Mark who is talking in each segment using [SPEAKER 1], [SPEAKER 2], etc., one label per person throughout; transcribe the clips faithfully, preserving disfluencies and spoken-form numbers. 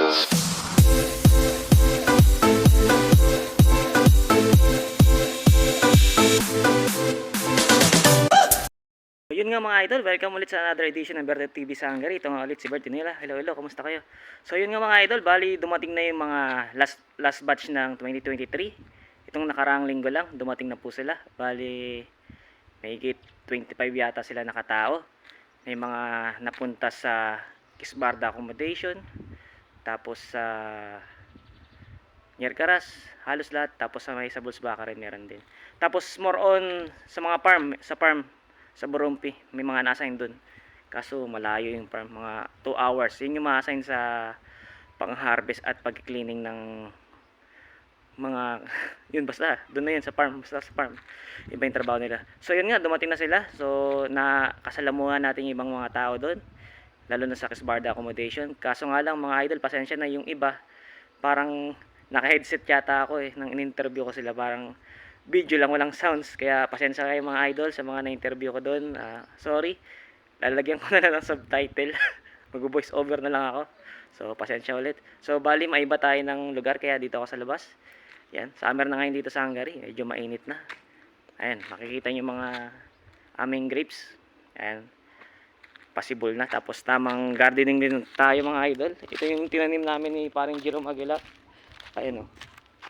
[SPEAKER 1] Yun nga mga idol, welcome ulit sa another edition ng Bertet T V sa Hungary. Ito nga ulit si Bert Tinila. Hello, hello, kumusta kayo? So yun nga mga idol, bali dumating na yung mga last last batch ng twenty twenty-three. Itong nakaraang linggo lang, dumating na po sila. Bali, mahigit twenty-five yata sila nakatao. May mga napunta sa Kisbarda accommodation, tapos sa Nyercaras, halos lahat. Tapos sa may sa Bulsbaka rin meron din. Tapos more on sa mga farm, sa farm sa Borompi, may mga na-assign dun. Kaso malayo yung farm, mga two hours. Yun yung ma-assign sa pang-harvest at pag-cleaning ng mga yun basta, dun na yun sa farm, basta sa farm. Iba yung trabaho nila. So yun nga, dumating na sila. So nakasalamuhan natin yung ibang mga tao dun, lalo na sa Kisbarda accommodation. Kaso nga lang mga idol, pasensya na yung iba. Parang naka-headset yata ako eh, nang in-interview ko sila. Parang video lang, walang sounds. Kaya pasensya kayo mga idol sa mga na-interview ko doon. Uh, sorry. Lalagyan ko na lang ng subtitle. Mag-voice over na lang ako. So pasensya ulit. So bali maiba tayo ng lugar kaya dito ako sa labas. Yan. Summer na ngayon dito sa Hungary. Medyo mainit na. Ayan. Makikita nyo mga aming grapes. Ayan. Possible na. Tapos tamang gardening din tayo mga idol. Ito yung tinanim namin ni paring Jerome Aguilar. Ayan o. Oh.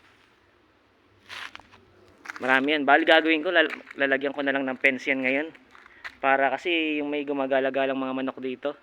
[SPEAKER 1] Marami yan. Bali gagawin ko, lalagyan ko na lang ng fence yan ngayon. Para kasi yung may gumagala-galang mga manok dito.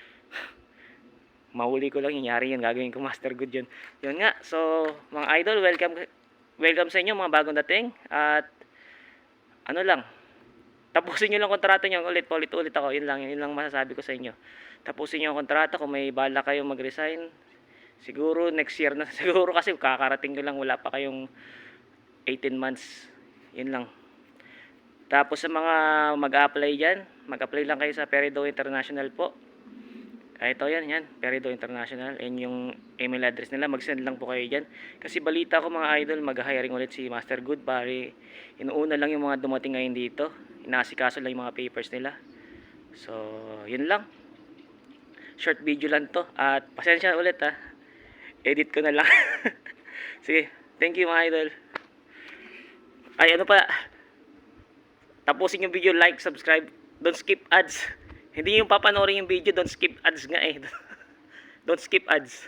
[SPEAKER 1] Mahuli ko lang, yari yan. Gagawin ko master good yun. Yun nga. So, mga idol, welcome welcome sa inyo mga bagong dating. At ano lang, tapusin nyo lang kontrata nyo. Ulit, ulit, ulit ako. Yun lang, yun lang masasabi ko sa inyo. Tapusin nyo ang kontrata. Kung may bala kayo mag-resign, siguro next year na. Siguro kasi kakarating ko lang, wala pa kayong eighteen months. Yun lang. Tapos sa mga mag-apply dyan, mag-apply lang kayo sa Peridot International po. Ah, ito yan, yan. Peridot International. Yan yung email address nila. Mag-send lang po kayo dyan. Kasi balita ko mga idol, mag-hiring ulit si Master Good. Pari, inuuna lang yung mga dumating ngayon dito. Inaasikaso lang yung mga papers nila. So, yun lang. Short video lang to. At pasensya ulit ha. Edit ko na lang. Sige. Thank you mga idol. Ay, ano pa? Tapusin yung video, like, subscribe. Don't skip ads. Hindi yung papanoorin yung video, don't skip ads nga eh. Don't skip ads.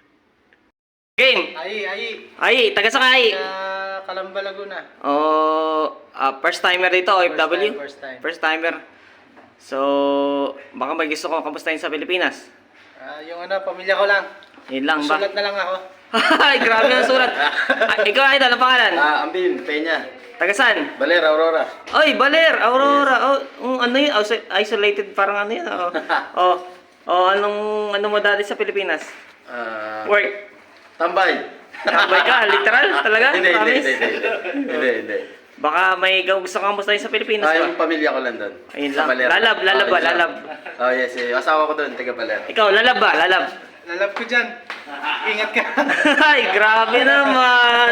[SPEAKER 1] Game!
[SPEAKER 2] Ay, ay.
[SPEAKER 1] Ay, taga sa kay?
[SPEAKER 2] Uh, Calamba, Laguna.
[SPEAKER 1] Oh, uh, first timer dito, O F W?
[SPEAKER 2] First time,
[SPEAKER 1] First
[SPEAKER 2] first time.
[SPEAKER 1] timer. So, baka may gusto ko kamustahin sa Pilipinas.
[SPEAKER 2] Uh, yung ano, pamilya ko lang.
[SPEAKER 1] Yun lang ba?
[SPEAKER 2] Sulat na lang ako.
[SPEAKER 1] Ay, grabe ang sulat. Ay, ikaw idol, ang pangalan?
[SPEAKER 3] Ah, Ambin, Peña.
[SPEAKER 1] Taga saan?
[SPEAKER 3] Baler, Aurora.
[SPEAKER 1] Oy, Baler, Aurora. Yes. Oh, um, ano yun? Oh, isolated parang ano yun. Oh. oh, oh, anong ano mo dati sa Pilipinas?
[SPEAKER 3] Ah,
[SPEAKER 1] Work.
[SPEAKER 3] tambay.
[SPEAKER 1] Tambay ka, literal talaga?
[SPEAKER 3] Hindi, hindi,
[SPEAKER 1] Promise?
[SPEAKER 3] hindi, hindi, hindi, hindi.
[SPEAKER 1] Baka may gusto kang kamustahin sa Pilipinas
[SPEAKER 3] Ah,
[SPEAKER 1] ba?
[SPEAKER 3] yung pamilya ko lang doon.
[SPEAKER 1] Ayun
[SPEAKER 3] Sa
[SPEAKER 1] lang.
[SPEAKER 3] Baler.
[SPEAKER 1] Lalab, lalab
[SPEAKER 3] Ah,
[SPEAKER 1] ba?
[SPEAKER 3] yun lang.
[SPEAKER 1] Lalab.
[SPEAKER 3] Oh, yes, eh. Asawa ko doon, taga Baler.
[SPEAKER 1] Ikaw, lalab ba? Lalab.
[SPEAKER 2] Lalab ko dyan. Ingat ka.
[SPEAKER 1] Ay, grabe naman.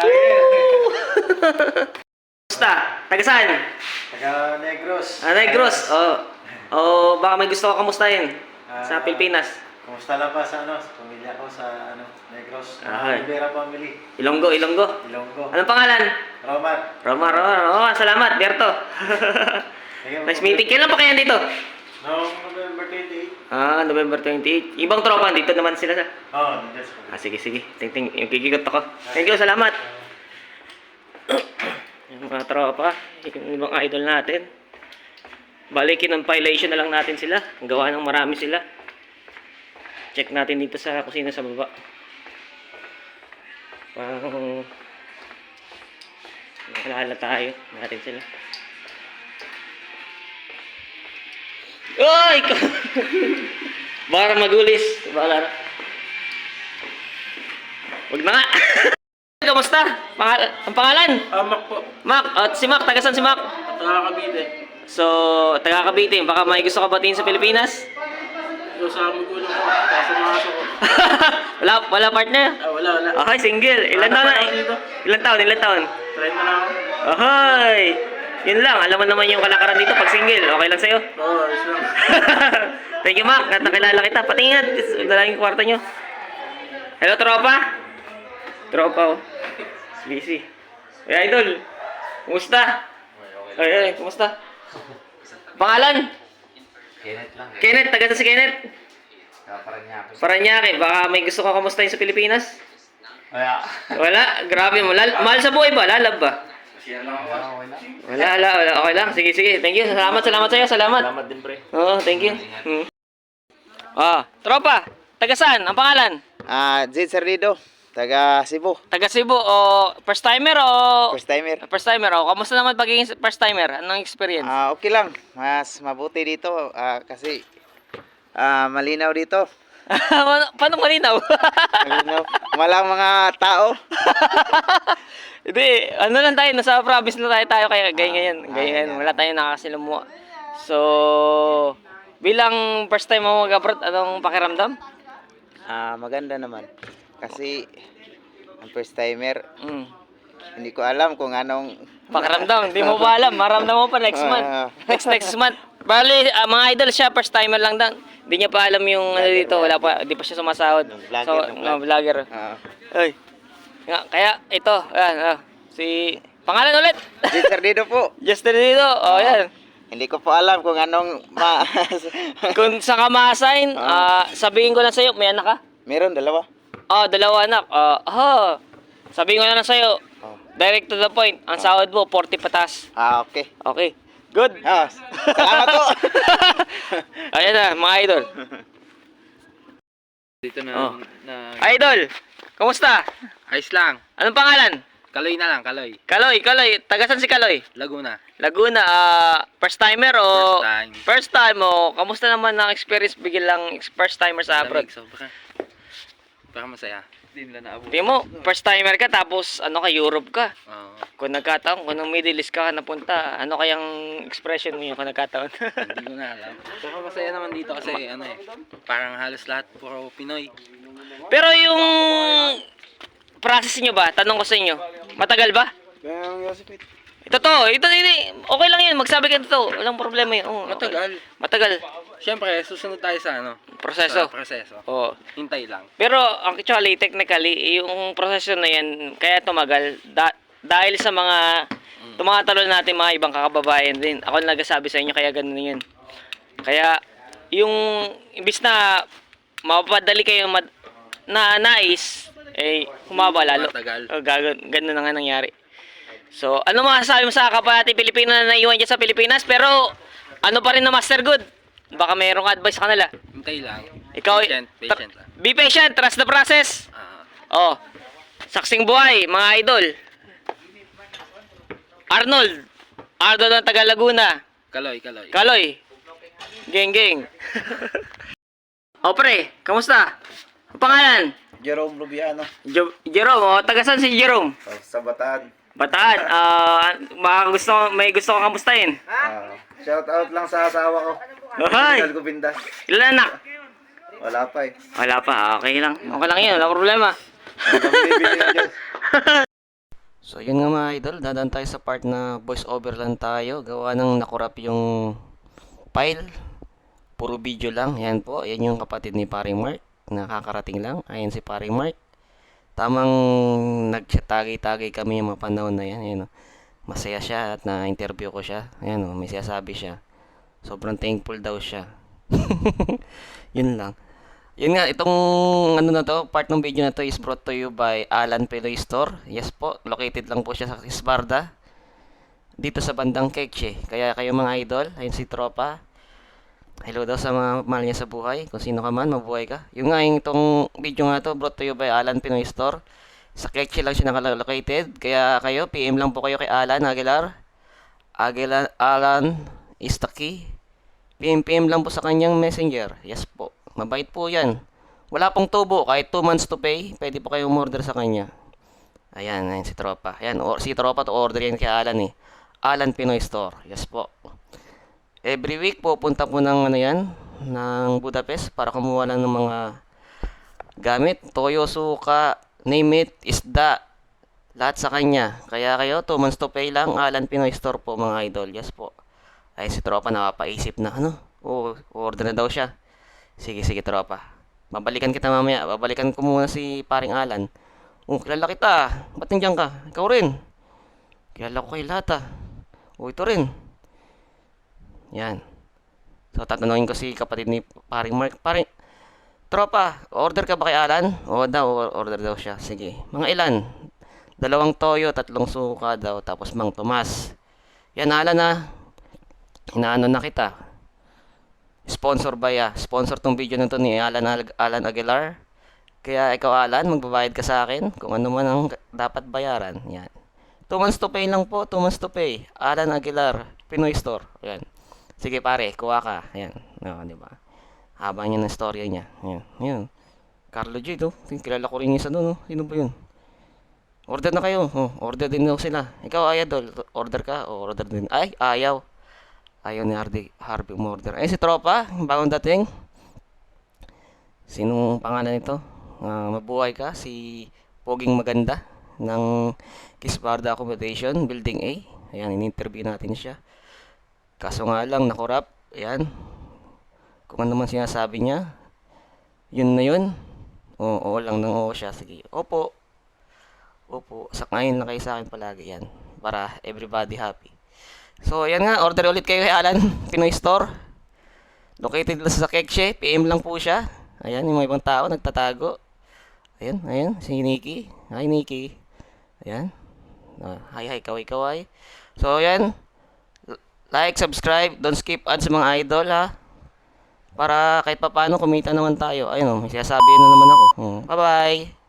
[SPEAKER 1] Basta, taga saan?
[SPEAKER 2] Taga Negros.
[SPEAKER 1] Ah, Negros. Oh. Oh, baka may gusto ka kamustahin sa
[SPEAKER 2] Ah,
[SPEAKER 1] Pilipinas.
[SPEAKER 2] Kumusta lang pa sa ano, sa pamilya ko sa ano, Negros.
[SPEAKER 1] Ah,
[SPEAKER 2] Rivera family.
[SPEAKER 1] Ilonggo, Ilonggo.
[SPEAKER 2] Ilonggo.
[SPEAKER 1] Anong pangalan?
[SPEAKER 2] Roman.
[SPEAKER 1] Roma, Roma. Oh, salamat, Berto. Nice meeting. Kailan pa kaya dito?
[SPEAKER 2] Noong November twenty-eight.
[SPEAKER 1] Ah, November twenty-eight. Ibang tropa, dito naman sila sa...
[SPEAKER 2] Oh, that's
[SPEAKER 1] Ah, sige, sige. Ting, ting, yung kikikot ako. Thank you, salamat. Yung mga tropa, yung ibang idol natin. Balikin ng violation na lang natin sila. Ang gawa ng marami sila. Check natin dito sa kusina sa baba. Pang... Naalala tayo. Natin sila. Oy! Baka magulis. Baka na. Huwag na nga. Kamusta? Pangal ang pangalan?
[SPEAKER 2] Ah, Mac po.
[SPEAKER 1] Mac. At si Mac. Taga saan si Mac?
[SPEAKER 2] Taga Cavite.
[SPEAKER 1] So, taga Cavite. Baka may gusto ka batiin sa Pilipinas?
[SPEAKER 2] Yung sa magulang ko, sa mga aso ko.
[SPEAKER 1] wala, wala partner?
[SPEAKER 2] Ah, wala, wala.
[SPEAKER 1] Okay, single. Ilan taon na? Ilan taon? Ilan taon?
[SPEAKER 2] Try na lang ako.
[SPEAKER 1] Ahoy! Yun lang. Alam mo naman yung kalakaran dito pag single. Okay lang sa'yo?
[SPEAKER 2] Oo, oh, ayos lang.
[SPEAKER 1] Thank you, Mac. At nakilala kita. Patingin. Dalawang yung kwarto nyo. Hello, tropa? Tropa, oh. Busy. Hey, idol. Kumusta? Ay, ay, kumusta? Pangalan?
[SPEAKER 2] Kenneth lang.
[SPEAKER 1] Kenneth, taga sa si Kenneth.
[SPEAKER 2] Paranaque.
[SPEAKER 1] Paranaque, baka may gusto ka kamustahin sa Pilipinas?
[SPEAKER 2] Kaya.
[SPEAKER 1] Wala, grabe mo. Lal mahal sa buhay ba? Lalab ba?
[SPEAKER 2] Siya lang ako.
[SPEAKER 1] Wala, wala, wala. Okay lang. Sige, sige. Thank you. Salamat, salamat sa'yo. Salamat.
[SPEAKER 2] Salamat din, pre.
[SPEAKER 1] Oo, thank you. Hmm. Ah, tropa. Taga saan? Ang pangalan?
[SPEAKER 4] Ah, Jade Cerrido, taga Cebu.
[SPEAKER 1] Taga Cebu o first timer o
[SPEAKER 4] First timer.
[SPEAKER 1] first timer o kamusta naman pagiging first timer? Anong experience?
[SPEAKER 4] Ah, okay lang. Mas mabuti dito ah, kasi ah, malinaw dito.
[SPEAKER 1] Paano paano malinaw?
[SPEAKER 4] Malinaw. Walang mga tao.
[SPEAKER 1] Hindi, ano lang tayo, nasa province na tayo tayo kaya ganyan ganyan.
[SPEAKER 4] Ah,
[SPEAKER 1] Ganyan,
[SPEAKER 4] ah,
[SPEAKER 1] wala tayong nakakasilamuha. So, bilang first time mo mag-abroad, anong pakiramdam?
[SPEAKER 4] Ah, maganda naman. Kasi ang first timer,
[SPEAKER 1] Mm.
[SPEAKER 4] hindi ko alam kung anong
[SPEAKER 1] Pakiramdam, hindi mo pa alam. Maramdam mo pa next month.
[SPEAKER 4] Ah.
[SPEAKER 1] Next next month. Bali, ah, mga idol siya, first timer lang dan. Hindi niya pa alam yung ano dito, wala pa, hindi pa siya sumasahod.
[SPEAKER 4] Yung vlogger,
[SPEAKER 1] So,
[SPEAKER 4] yung
[SPEAKER 1] no, vlogger.
[SPEAKER 4] Ah,
[SPEAKER 1] Ay. Nga, kaya ito, ayan, ah, si pangalan ulit.
[SPEAKER 4] Jade Cerrido po.
[SPEAKER 1] Justin dito. Oh, yan.
[SPEAKER 4] Hindi ko po alam kung anong ma
[SPEAKER 1] Kung sa ka ma-assign, ah, sabihin ko na sa'yo, may anak ka?
[SPEAKER 4] Meron dalawa.
[SPEAKER 1] Oh, dalawa anak. Ah, oh. Sabihin ko na lang sa'yo,
[SPEAKER 4] Oh.
[SPEAKER 1] direct to the point. Ang sahod mo, forty patas.
[SPEAKER 4] Ah, okay.
[SPEAKER 1] Okay. Good.
[SPEAKER 4] Ah, salamat po.
[SPEAKER 1] Ayan na, mga idol.
[SPEAKER 2] Dito na,
[SPEAKER 1] Oh.
[SPEAKER 2] na...
[SPEAKER 1] Idol, kamusta?
[SPEAKER 2] Ayos lang.
[SPEAKER 1] Anong pangalan?
[SPEAKER 2] Kaloy na lang, Kaloy.
[SPEAKER 1] Kaloy, Kaloy. Tagasan si Kaloy?
[SPEAKER 2] Laguna.
[SPEAKER 1] Laguna, ah, first timer o?
[SPEAKER 2] First time.
[SPEAKER 1] First time o? Kamusta naman ang experience biglang first timer sa abroad?
[SPEAKER 2] Lamig, sobra. Baka masaya. Hindi nila naabot.
[SPEAKER 1] Di mo, first timer ka tapos ano ka, Europe ka.
[SPEAKER 2] Oo.
[SPEAKER 1] Kung nagkataon, kung nung Middle East ka napunta, ano kayang expression mo yun kung nagkataon?
[SPEAKER 2] Hindi ko na alam. Pero masaya naman dito kasi ano eh. Parang halos lahat puro Pinoy.
[SPEAKER 1] Pero yung process nyo ba, tanong ko sa inyo, matagal ba? Ito to, ito, hindi, okay lang yun, magsabi ka to, walang problema yun. Oo, okay.
[SPEAKER 2] Matagal.
[SPEAKER 1] Matagal.
[SPEAKER 2] Siyempre, susunod tayo sa ano?
[SPEAKER 1] Proseso.
[SPEAKER 2] Sa proseso.
[SPEAKER 1] Oo.
[SPEAKER 2] Hintay lang.
[SPEAKER 1] Pero actually, technically, yung proseso na yan, kaya tumagal, da- dahil sa mga tumatalo natin mga ibang kakababayan din. Ako na nagsasabi sa inyo, kaya ganun yun. Kaya, yung, imbis na mapapadali kayo mad- na nais, eh, humaba lalo.
[SPEAKER 2] Matagal.
[SPEAKER 1] O, gagan- ganun na nga nangyari. So, ano masasabi mo sa kapwa natin Pilipino na naiwan dyan sa Pilipinas? Pero, ano pa rin na master good? Baka mayroong advice sa kanila.
[SPEAKER 2] Hintay lang.
[SPEAKER 1] Ikaw,
[SPEAKER 2] Patient,
[SPEAKER 1] tra-
[SPEAKER 2] patient lang.
[SPEAKER 1] be patient, trust the process.
[SPEAKER 2] Ah.
[SPEAKER 1] Oh, saksing buhay, mga idol. Arnold, Arnold ng taga Laguna.
[SPEAKER 2] Kaloy, Kaloy.
[SPEAKER 1] Kaloy, geng geng. O pre, kamusta? Ang pangalan?
[SPEAKER 4] Jerome Rubiano,
[SPEAKER 1] Jo- Jerome, oh, taga saan si Jerome?
[SPEAKER 4] oh, sa Bataan.
[SPEAKER 1] Bataan, ah, baka gusto, may gusto kong kamustahin.
[SPEAKER 4] Ah, shout out lang sa asawa ko.
[SPEAKER 1] Hoy,
[SPEAKER 4] Rizal Gubindas.
[SPEAKER 1] ilan anak?
[SPEAKER 4] Wala pa eh.
[SPEAKER 1] Wala pa, okay lang. Okay lang yun, wala problema.
[SPEAKER 4] Hanggang bibili ng Diyos.
[SPEAKER 1] So yun nga mga idol, dadaan tayo sa part na voice over lang tayo. Gawa ng nakurap yung file. Puro video lang. Yan po, yan yung kapatid ni Paring Mark. Nakakarating lang. Ayan si Paring Mark. Tamang nagtagay-tagay kami yung mga panahon na yan. Ayan, oh. Masaya siya at na-interview ko siya. Ayan o, may sinasabi siya. Sobrang thankful daw siya. Yun lang. Yun nga, itong ano na to, part ng video na to is brought to you by Alan Peloy Store. Yes po, located lang po siya sa Isbarda. Dito sa bandang Queche. Kaya kayo mga idol, ayun si Tropa. Hello daw sa mga mahal niya sa buhay. Kung sino ka man, mabuhay ka. Yung nga, yung itong video nga to, brought to you by Alan Pinoy Store. Sa Queche lang siya nakalocated. Kaya kayo, P M lang po kayo kay Alan Aguilar. Aguilar, Alan is the key. P M P M lang po sa kanyang messenger. Yes po. Mabait po yan. Wala pong tubo. Kahit two months to pay, pwede po kayong order sa kanya. Ayan, ayan si Tropa. Ayan, or, si Tropa to order yan kay Alan eh. Alan Pinoy Store. Yes po. Every week pupunta po ng ano yan, ng Budapest para kumuha lang ng mga gamit. Toyo, suka, name it, isda. Lahat sa kanya. Kaya kayo, two months to pay lang. Alan Pinoy Store po mga idol. Yes po. Ay si Tropa nakapaisip na ano. Oh, order na daw siya. Sige, sige Tropa. Babalikan kita mamaya. Babalikan ko muna si paring Alan. Oh, kilala kita. Ba't nandiyan ka? Ikaw rin. Kilala ko kayo lahat ah. Oh, ito rin. Yan. So, tatanungin ko si kapatid ni paring Mark. Paring, tropa, order ka ba kay Alan? Oo daw, order daw siya. Sige. Mga ilan? Dalawang toyo, tatlong suka daw, tapos Mang Tomas. Yan, Alan ah. Inaano na kita. Sponsor ba ya? Sponsor tong video na to ni Alan, Al- Alan Aguilar. Kaya ikaw Alan, magbabayad ka sa akin kung ano man ang dapat bayaran. Yan. two months to pay lang po, two months to pay. Alan Aguilar, Pinoy Store. Yan. Sige pare, kuha ka. Yan. No, di ba? Haba niya ng storya niya. Yan. Yan. Carlo J, no? Kilala ko rin yung isa doon, no? Sino ba yun? Order na kayo. Oh, order din daw sila. Ikaw, Ayadol, order ka? O order din. Ay, ayaw. Ayaw ni Hardy, Harvey umorder. Ay, si Tropa, bagong dating. Sinong pangalan nito? Ah, mabuhay ka. Si Poging Maganda ng Kisparda Accommodation, Building A. Ayan, in-interview natin siya. Kaso nga lang, nakorap. Ayan. Kung ano man sinasabi niya, yun na yun. Oo, oo lang ng oo siya. Sige, opo. Opo, sakayin lang kayo sa akin palagi yan. Para everybody happy. So, ayan nga, order ulit kayo kay Alan, Pinoy Store. Located lang sa Kekshe, P M lang po siya. Ayan, yung mga ibang tao nagtatago. Ayan, ayan, si Nikki. Hi, Nikki. Ayan. Uh, hi, hi, kaway, kaway. So, ayan. Like, subscribe, don't skip ads sa mga idol, ha. Para kahit pa paano kumita naman tayo. Ayun, oh, may sinasabi na naman ako. Hmm. Bye-bye.